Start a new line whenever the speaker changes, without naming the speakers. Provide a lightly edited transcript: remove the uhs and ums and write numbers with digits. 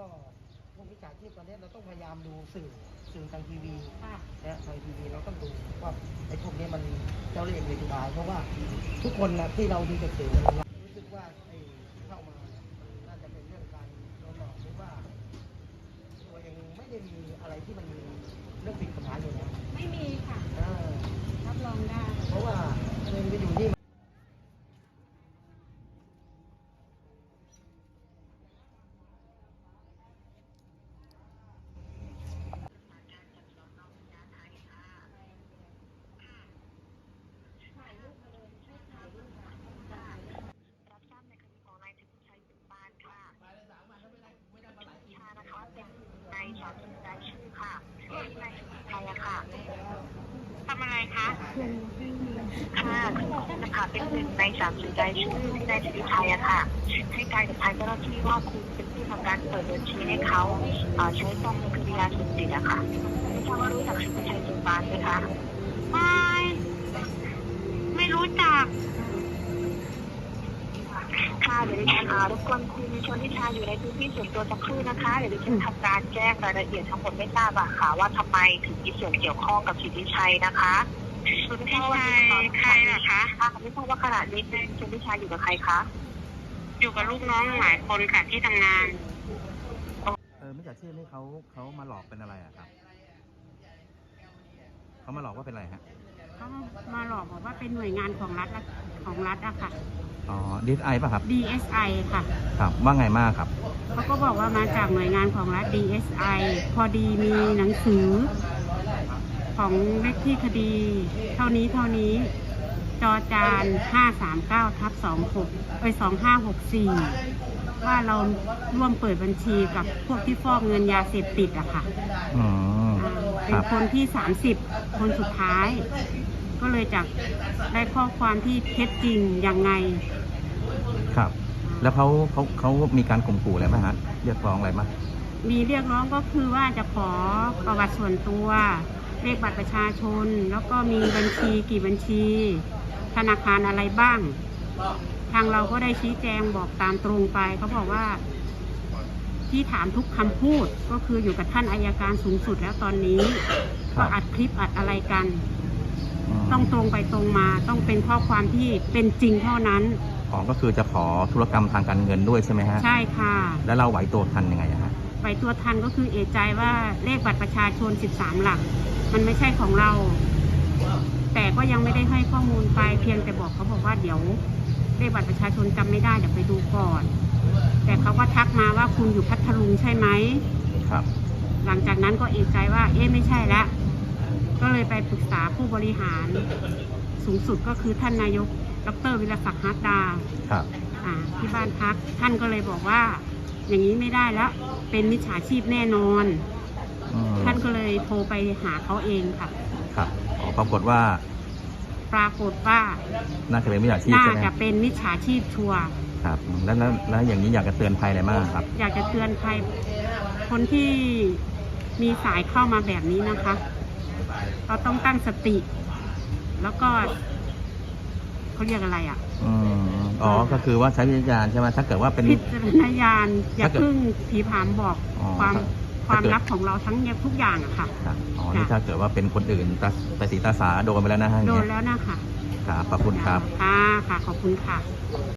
ก็พวกวิชาชีพตอนนี้เราต้องพยายามดูสื่อทางทีวีนะทางทีวีเราต้องดูว่าไอ้พวกนี้มันเจ้าเล่ห์เวทีบายเพราะว่าทุกคนนะที่เราดูจากสื่อรู้สึกว่าไอ้เข้ามาน่าจะเป็นเรื่องการโดนหลอกหรือว่าตัวเองไม่ได้มีอะไรที่มันมีเรื่องผิดกฎหมายอยู่นะ
ไม่มีค่ะรับรองได้
เพราะว่าเงินไปอยู่ที่
ในสามรายชื่อค่ะในไทยอะค่ะทำอะไรคะค่ะคุณนะคะเป็นหนึ่งใน30รายชื่อที่ในสิทธิไทยอะค่ะให้การกับทางเจ้าหน้าที่ว่าคุณเป็นผู้ทำการเปิดบัญชีให้เขาใช้ซองในคดียาเสพติดอะค่ะไม่ทราบว่ารู้จักสิทธิชัยจุฬาไหมคะไม่รู้จักค่ะเดี๋ยวดิฉันรบกวนคุณชนทิชาอยู่ในพื้นที่ส่วนตัวสักครู่นะคะเดี๋ยวดิฉันทำการแจ้งรายละเอียดทั้งหมดไม่ทราบอะค่ะว่าทำไมถึงมีส่วนเกี่ยวข้องกับสิทธิชัยนะคะชนทิชัยใครเหรอคะไม่ทราบว่าขณะนี้ชนทิชาอยู่กับใครคะอยู่กับลูกน้องหลายคนค่ะที่ทำงาน
มิจฉาชีพนี่เขามาหลอกเป็นอะไรอะครับเขามาหลอกว่าเป็นอะไรฮะ
เขามาหลอกบอกว่าเป็นหน่วยงานของรัฐอะค่ะ
อ๋อ DSI ป่ะครับ
DSI ค่ะ
ครับว่าไงมากครับ
เขาก็บอกว่ามาจากหน่วยงานของรัฐ DSI พอดีมีหนังสือของเลขที่คดีเท่านี้จอจาน539/2564ว่าเราร่วมเปิดบัญชีกับพวกที่ฟอกเงินยาเสพติดอะค่ะเป็นคนที่30คนสุดท้ายก็เลยจะได้ข้อความที่เท็จจริงยังไง
ครับแล้วเขามีการข่มขู่อะไรไหมฮะเรียกร้องอะไรไหม
มีเรียกร้องก็คือว่าจะขอประวัติส่วนตัวเลขบัตรประชาชนแล้วก็มีบัญชีกี่บัญชีธนาคารอะไรบ้างทางเราก็ได้ชี้แจงบอกตามตรงไปเขาบอกว่าที่ถามทุกคำพูดก็คืออยู่กับท่านอัยการสูงสุดแล้วตอนนี้ก็อัดคลิปอัดอะไรกันต้องตรงไปตรงมาต้องเป็นข้อความที่เป็นจริงเท่านั้น
ก็คือจะขอธุรกรรมทางการเงินด้วยใช่ไหมฮะ
ใช่ค่ะ
แล้วเราไหวตัวทันยังไงฮะ
ไหวตัวทันก็คือเอะใจว่าเลขบัตรประชาชน13หลักมันไม่ใช่ของเราแต่ก็ยังไม่ได้ให้ข้อมูลไปเพียงแต่บอกเขาบอกว่าเดี๋ยวเลขบัตรประชาชนจำไม่ได้เดี๋ยวไปดูก่อนแต่เขาก็ทักมาว่าคุณอยู่พัทลุงใช่ไหม
ครับ
หลังจากนั้นก็เอะใจว่าไม่ใช่ละก็เลยไปปรึกษาผู้บริหารสูงสุดก็คือท่านนายกดร.วิรศักดิ์ฮาร์ดาที่บ้านพักท่านก็เลยบอกว่าอย่างนี้ไม่ได้แล้วเป็นมิจฉาชีพแน่นอนท่านก็เลยโทรไปหาเขาเองค่ะ
ครับปรากฏว่าน่าจะเป็นมิจฉาชีพใช่ไหม
น่าจะเป็นมิจฉาชีพชัวร์
ครับแล้วอย่างนี้อยากจะเตือนภัยอะไรบ้างครับ
อยากจะเตือนภัยคนที่มีสายเข้ามาแบบนี้นะคะเราต้องตั้งสติแล้วก็เขาเรียกอะไรอ่ะ
ก็คือว่าใช้วิจารณ์ใช่ไหมถ้าเกิดว่าเป็น
พิจารณญาณอย่าเพิ่งผีผามบอกความลับของเราทั้งทุกอย่างอะค่ะ
นี่ถ้าเกิดว่าเป็นคนอื่นตาสีตาสาโดนไปแล้วนะฮะ
โดนแล้วนะคะ
ครับขอบคุณครับ
ค่ะขอบคุณค่ะ